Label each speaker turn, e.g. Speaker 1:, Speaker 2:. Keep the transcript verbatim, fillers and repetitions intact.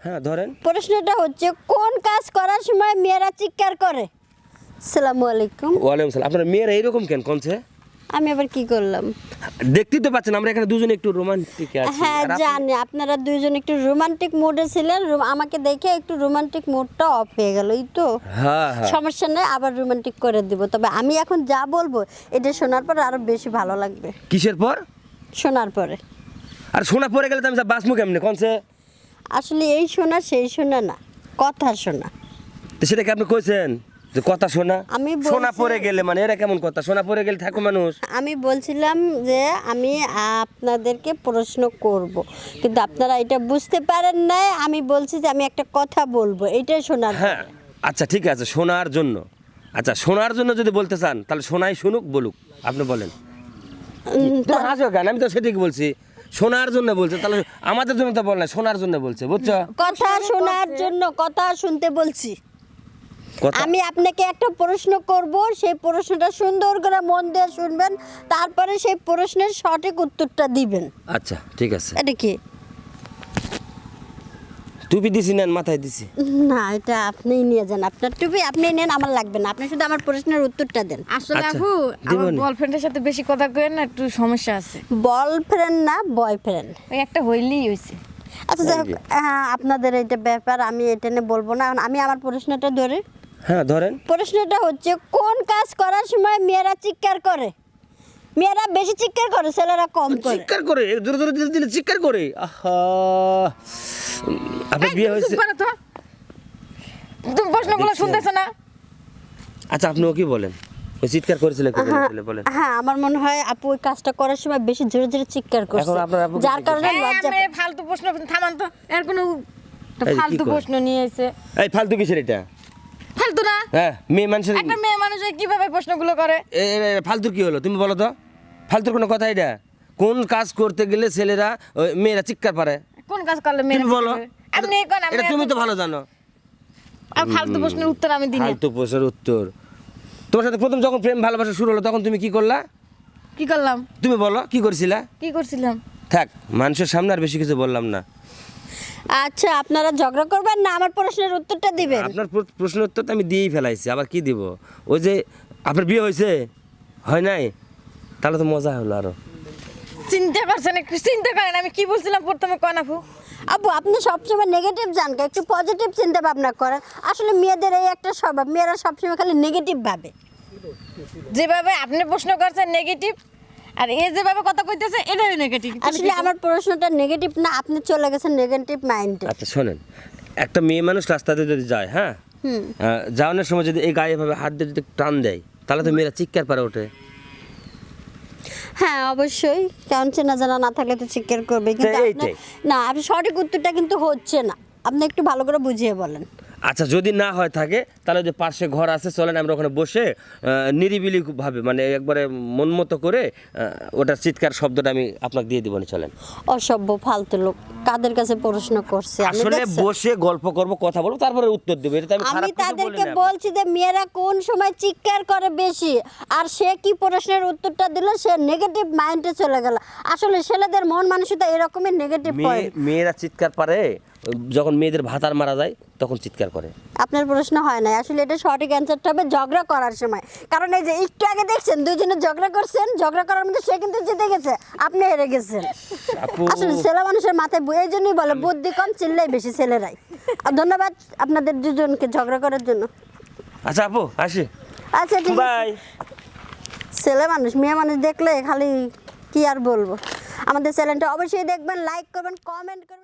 Speaker 1: হ্যাঁ ধরেন।
Speaker 2: প্রশ্নটা হচ্ছে কোন কাজ করার সময় মেয়েরা চিৎকার করে? আসসালামু আলাইকুম।
Speaker 1: ওয়ালাইকুম সালাম। আপনার মেয়েরা এইরকম কেন কোনছে?
Speaker 2: আমি আবার কি করলাম?
Speaker 1: দেখতেই তো পাচ্ছেন আমরা এখানে দুজনে একটু রোমান্টিক আছি।
Speaker 2: হ্যাঁ
Speaker 1: আর আপনি-
Speaker 2: জানি আপনারা দুইজন একটু রোমান্টিক মুডে ছিলেন, রো- আমাকে দেখে একটু রোমান্টিক মুডটা অফ হয়ে গেল, এই তো।
Speaker 1: হ্যাঁ হ্যাঁ
Speaker 2: সমস্যা নেই, আবার রোমান্টিক করে দিব। তবে আমি এখন যা বলবো এটা শোনার পর আরো বেশি ভালো লাগবে।
Speaker 1: কিসের পর?
Speaker 2: শোনার পরে।
Speaker 1: আর শোনা পড়ে গেলে তো আমি বাসমু কেমনে কোনছে?
Speaker 2: আসলে এই শোনা সেই শোনা না, কথা শোনা।
Speaker 1: তো সেটা কি আপনি কইছেন যে কথা শোনা?
Speaker 2: আমি বলছি-
Speaker 1: শোনা পড়ে গেলে মানে এরা কেমন কথা? শোনা পড়ে গেলে থাকো মানুষ।
Speaker 2: আমি বলছিলাম যে আমি আপনাদেরকে প্রশ্ন করব, কিন্তু আপনারা এটা বুঝতে পারেন না। আমি বলছি যে আমি একটা কথা বলবো, এইটাই শোনার
Speaker 1: হ্যাঁ
Speaker 2: পরে।
Speaker 1: আচ্ছা ঠিক আছে, শোনার জন্য। আচ্ছা শোনার জন্য যদি বলতে চান তাহলে শোনাই শুনুক, বলুক। আপনি বলেন।
Speaker 2: উম,
Speaker 1: তোমার হাসো কেন? আমি তো সেটাই বলছি, শোনার জন্য বলছে। তাহলে আমাদের জন্য তো বল না, শোনার জন্য বলছে, বুঝছো?
Speaker 2: কথা শোনার জন্য, কথা শুনতে বলছি।
Speaker 1: কথা
Speaker 2: আমি আপনাকে একটা প্রশ্ন করব, সেই প্রশ্নটা সুন্দর করে মন দিয়ে শুনবেন, তারপরে সেই প্রশ্নের সঠিক উত্তরটা দিবেন।
Speaker 1: আচ্ছা ঠিক আছে।
Speaker 2: এটা কি?
Speaker 1: টুপি দিছি না মাথায় দিছি?
Speaker 2: না, এটা আপনিই নিয়ে যান, আপনার টুপি আপনিই নেন, আমার লাগবে না। আপনি শুধু আমার প্রশ্নের উত্তরটা দেন।
Speaker 3: আসলে
Speaker 1: আচ্ছা,
Speaker 3: আপু আমার
Speaker 1: দিবনি।
Speaker 3: বয়ফ্রেন্ডের সাথে বেশি কথা কইেন না, একটু সমস্যা আছে।
Speaker 2: বয়ফ্রেন্ড না বয়ফ্রেন্ড।
Speaker 3: ওই একটা হইলেই হইছে।
Speaker 2: আচ্ছা যাই হোক, হ্যাঁ আপনাদের এইটা ব্যাপার, আমি এটা নিয়ে বলবো না। এখন আমি আমার প্রশ্নটা ধরে।
Speaker 1: হ্যাঁ ধরেন।
Speaker 2: প্রশ্নটা হচ্ছে কোন কাজ করার সময় মেয়েরা চিৎকার করে? মেয়েরা বেশি চিৎকার করে, ছেলেরা কম করে।
Speaker 1: চিৎকার করে, জোরে জোরে দিলে দিলে চিৎকার করে। আহা, আপনার বিয়ে হয়েছে?
Speaker 3: চুপ করো তো। তুমি প্রশ্নগুলো
Speaker 1: দেখছি।
Speaker 3: শুনতেছ না?
Speaker 1: আচ্ছা আপনিও কি বলেন? ওই চিৎকার করেছিল কি
Speaker 2: হ্যাঁ,
Speaker 1: করেছিল বলেন?
Speaker 2: হ্যাঁ আমার মনে হয় আপু ওই কাজটা করার সময় বেশি জোরে জোরে চিৎকার করছে,
Speaker 1: এখন আপনার আপুকে
Speaker 2: যার
Speaker 1: জিজ্ঞেস
Speaker 2: কারণে
Speaker 3: এই,
Speaker 2: লজ্জা।
Speaker 3: আমি ফালতু প্রশ্ন থামান তো। এর কোনো একটা
Speaker 1: এই যে কি
Speaker 3: ফালতু
Speaker 1: করে?
Speaker 3: প্রশ্ন নিয়ে এসে।
Speaker 1: এই ফালতু কিসের এটা?
Speaker 3: ফালতু না?
Speaker 1: হ্যাঁ মেয়ে মানুষের
Speaker 3: একটা মেয়ে মানুষ কিভাবে প্রশ্নগুলো করে?
Speaker 1: এ- এ- এ- ফালতুর কি হলো তুমি বলো তো? ফালতুর কোনো কথা এটা? কোন কাজ করতে গেলে ছেলেরা ওই মেয়েরা চিৎকার পারে?
Speaker 3: কোন কাজ করলে মেয়ে
Speaker 1: তুমি বলো।
Speaker 3: আপনি কোন
Speaker 1: এটা তুমি তো ভালো জানো।
Speaker 3: আর ফালতু প্রশ্নের উত্তর আমি দিই না।
Speaker 1: ফালতু প্রশ্নের উত্তর। তোমার সাথে প্রথম যখন প্রেম ভালোবাসা শুরু হলো তখন তুমি কি করলা?
Speaker 3: কি করলাম?
Speaker 1: তুমি বলো কি করছিলা?
Speaker 3: কি করছিলাম?
Speaker 1: থাক, মানুষের সামনে আর বেশি কিছু বললাম না।
Speaker 2: আচ্ছা আপনারা ঝগড়া করবেন না, আমার প্রশ্নের উত্তরটা দিবেন।
Speaker 1: আপনার প্র- প্রশ্নের উত্তর তো আমি দিয়েই ফেলাইছি, আবার কি দিব? ওই যে আপনার বিয়ে হয়েছে, হয় নাই? তাহলে তো মজা হলো আরো।
Speaker 3: চিন্তা করছেন, একটু চিন্তা করেন আমি কি বলছিলাম প্রথমে। কোন আপু?
Speaker 2: আপু আপনি সবসময় নেগেটিভ জান, একটু পজিটিভ চিন্তা ভাবনা করেন। আসলে মেয়েদের এই একটা স্বভাব, মেয়েরা সবসময় খালি নেগেটিভ ভাবে।
Speaker 3: যেভাবে আপনি প্রশ্ন করছেন নেগেটিভ, আর এ যেভাবে কথা কইতেছে এটাই নেগেটিভ।
Speaker 2: আসলে আমার প্রশ্নটা নেগেটিভ না, আপনি চলে গেছেন নেগেটিভ মাইন্ডে।
Speaker 1: আচ্ছা শোনেন, একটা মেয়ে মানুষ রাস্তাতে যদি যায়, হ্যাঁ, আহ, যাওয়ানোর সময় যদি এই গায়ে এভাবে হাত দিয়ে যদি টান দেয় তাহলে তো মেয়েরা চিৎকার পারে ওঠে।
Speaker 2: হ্যাঁ অবশ্যই, কারণ চেনা জানা না থাকলে তো চিৎকার করবে। কিন্তু
Speaker 1: তো
Speaker 2: আপনি-
Speaker 1: এইটাই।
Speaker 2: না, আপনি সঠিক উত্তরটা কিন্তু হচ্ছে না, আপনি একটু ভালো করে বুঝিয়ে বলেন।
Speaker 1: আচ্ছা যদি না হয় থাকে তাহলে ওই যে পাশে ঘর আছে, চলেন আমরা ওখানে বসে আহ, নিরিবিলি ভাবে মানে একবারে মন মতো করে আহ, ওটার চিৎকার শব্দটা আমি আপনাকে দিয়ে দিব, চলেন।
Speaker 2: অসভ্য ফালতু লোক, কাদের কাছে প্রশ্ন করছে? আমি
Speaker 1: আসলে
Speaker 2: দেখছেন?
Speaker 1: বসে গল্প করব, কথা বলবো, তারপরে উত্তর দেবো। এটা তো আমি
Speaker 2: আমি
Speaker 1: খারাপ কিছু বলি
Speaker 2: তাদেরকে
Speaker 1: না।
Speaker 2: বলছি যে মেয়েরা কোন সময় চিৎকার করে বেশি, আর সে কি প্রশ্নের উত্তরটা দিল, সে নেগেটিভ মাইন্ডে চলে গেল। আসলে ছেলেদের মন মানসিকতা এরকমই নেগেটিভ
Speaker 1: মেয়ে
Speaker 2: পয়েন্ট।
Speaker 1: মেয়েরা চিৎকার পারে যখন মেয়েদের ভাতার মারা যায় তখন চিৎকার করে।
Speaker 2: আপনার প্রশ্ন হয় না, আসলে এটা সঠিক অ্যান্সারটা হবে ঝগড়া করার সময়। কারণ এই যে একটু আগে দেখছেন দুইজনে ঝগড়া করছেন, ঝগড়া করার মধ্যে সে কিন্তু জিতে গেছে, আপনি হেরে গেছেন।
Speaker 1: আপু
Speaker 2: আসলে ছেলে মানুষের মাথায় বু- এই জন্যই বলে বুদ্ধি কম, চিল্লাই বেশি ছেলেরাই। আর ধন্যবাদ আপনাদের দুজনকে ঝগড়া করার জন্য।
Speaker 1: আচ্ছা আপু আসি,
Speaker 2: আচ্ছা ঠিক আছে।
Speaker 1: বাই।
Speaker 2: ছেলে মানুষ মেয়ে মানুষ দেখলে খালি কি আর বলবো। আমাদের চ্যানেলটা অবশ্যই দেখবেন, লাইক করবেন, কমেন্ট করবেন।